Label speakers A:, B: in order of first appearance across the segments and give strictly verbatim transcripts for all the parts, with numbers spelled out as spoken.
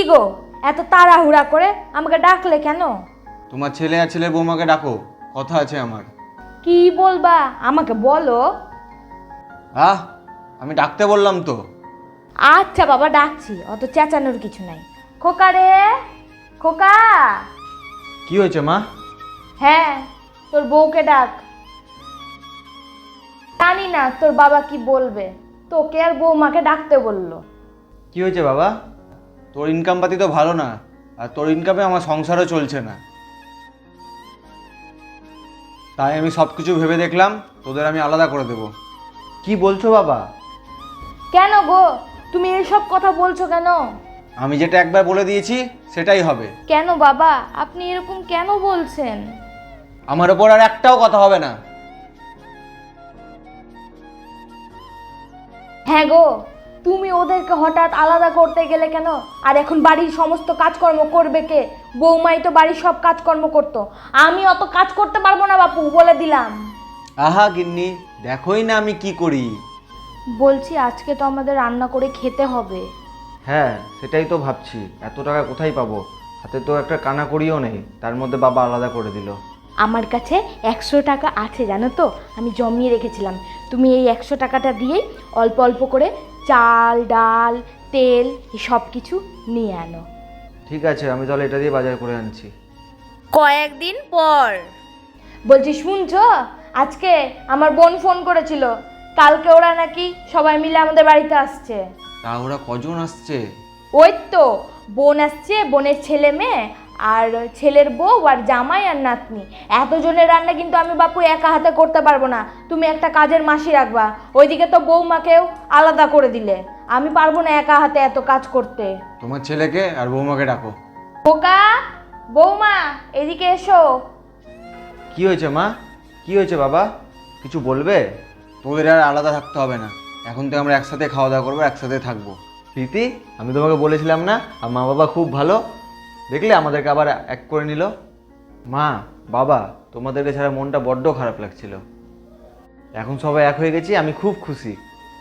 A: গো, এত তাড়াহুড়া করে আমাকে ডাকলে কেন?
B: তোমার ছেলে আর ছেলের বৌমাকে ডাকো, কথা আছে আমার।
A: কি বলবা আমাকে বলো।
B: আহ আমি ডাকতে বললাম তো।
A: আচ্ছা বাবা, ডাকছি, অত চেঁচানোর কিছু নাই। খোকা রে, খোকা।
B: কি হয়েছে মা?
A: হ্যাঁ, তোর বউকে ডাক। জানি না তোর বাবা কি বলবে, তোকে আর বৌমাকে ডাকতে বললো।
B: কি হয়েছে বাবা? তোর ইনকাম পাতি তো ভালো না, আর তোর ইনকামে আমার সংসারও চলছে না। তাই আমি সব কিছু ভেবে দেখলাম তোদের আমি আলাদা করে দেব। কি বলছো বাবা?
A: কেন গো, তুমি এসব কথা বলছো কেন?
B: আমি যেটা একবার বলে দিয়েছি সেটাই হবে।
A: কেন বাবা, আপনি এরকম কেন বলছেন?
B: আমার ওপর আর একটাও কথা হবে না।
A: হ্যাঁ গো, তুমি ওদেরকে হঠাৎ আলাদা করতে গেলে কেন? আর এখন বাড়ির সমস্ত কাজকর্ম করবে কে? বৌমাই তো বাড়ির সব কাজকর্ম করতো, আমি অত কাজ করতে পারবো না বাপু, বলে দিলাম।
B: আহা গিন্নি, দেখোই না আমি কি করি।
A: বলছি আজকে তো আমাদের রান্না করে খেতে হবে।
C: হ্যাঁ সেটাই তো ভাবছি, এত টাকা কোথায় পাবো? হাতে তো একটা কানা করিও নেই, তার মধ্যে বাবা আলাদা করে দিল।
A: আমার কাছে একশো টাকা আছে জানো তো, আমি জমিয়ে রেখেছিলাম। তুমি এই একশো টাকাটা দিয়েই অল্প অল্প করে চাল, ডাল, তেল এই সব কিছু নিয়ে আনো।
C: ঠিক আছে, আমি তাহলে এটা দিয়ে বাজার করে আনছি।
A: কয়েকদিন পর বলছি, শুনছো, আজকে আমার বোন ফোন করেছিল, কালকে ওরা নাকি সবাই মিলে আমাদের বাড়িতে আসছে।
B: তা ওরা কজন আসছে?
A: ওই তো বোন আসছে, বোনের ছেলে মেয়ে আর ছেলের বউ আর জামাই আর নাতনি। এতজনের রান্না কিন্তু আমি বাপু একা হাতে করতে পারবো না, তুমি একটা কাজের মাসি রাখবা। ওইদিকে তো বৌমাকেও আলাদা করে দিলে, আমি পারবো না একা হাতে এত কাজ করতে।
B: তোমার ছেলেকে আর বৌমাকে ডাকো।
A: খোকা, বৌমা, এদিকে এসো।
C: কি হয়েছে মা? কি হয়েছে বাবা? কিছু বলবে?
B: তোদের আর আলাদা থাকতে হবে না, এখন তো আমরা একসাথে খাওয়া দাওয়া করবো, একসাথে থাকবো।
C: প্রীতি, আমি তোমাকে বলেছিলাম না আর মা বাবা খুব ভালো, দেখলে আমাদেরকে আবার এক করে নিল। মা বাবা, তোমাদেরকে ছাড়া মনটা বড্ড খারাপ লাগছিল, এখন সবাই এক হয়ে গেছি, আমি খুব খুশি।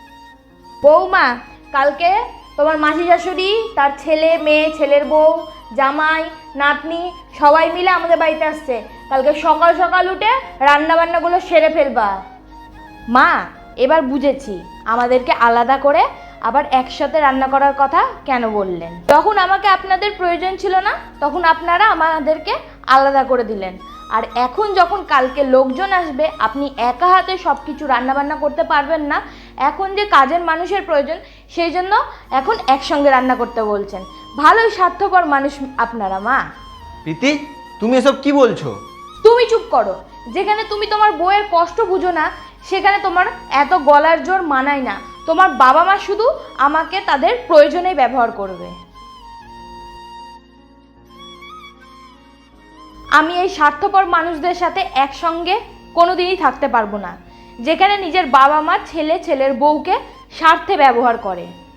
A: বৌমা, কালকে তোমার মাসি শাশুড়ি, তার ছেলে মেয়ে, ছেলের বউ, জামাই, নাতনি সবাই মিলে আমাদের বাড়িতে আসছে। কালকে সকাল সকাল উঠে রান্না বান্নাগুলো সেরে ফেলবা। মা, এবার বুঝেছি আমাদেরকে আলাদা করে আবার একসাথে রান্না করার কথা কেন বললেন। তখন আমাকে আপনাদের প্রয়োজন ছিল না, তখন আপনারা আমাদেরকে আলাদা করে দিলেন। আর এখন যখন কালকে লোকজন আসবে, আপনি একা হাতে সব কিছু রান্নাবান্না করতে পারবেন না, এখন যে কাজের মানুষের প্রয়োজন, সেই জন্য এখন একসঙ্গে রান্না করতে বলছেন। ভালোই স্বার্থপর মানুষ আপনারা। মা,
C: প্রীতি, তুমি এসব কি বলছো?
A: তুমি চুপ করো। যেখানে তুমি তোমার বউয়ের কষ্ট বুঝো না, সেখানে তোমার এত গলার জোর মানায় না। তোমার বাবা মা শুধু আমাকে তাদের প্রয়োজনেই ব্যবহার করবে। আমি এই স্বার্থপর মানুষদের সাথে একসঙ্গে কোনোদিনই থাকতে পারবো না, যেখানে নিজের বাবা মা ছেলে ছেলের বউকে স্বার্থে ব্যবহার করে।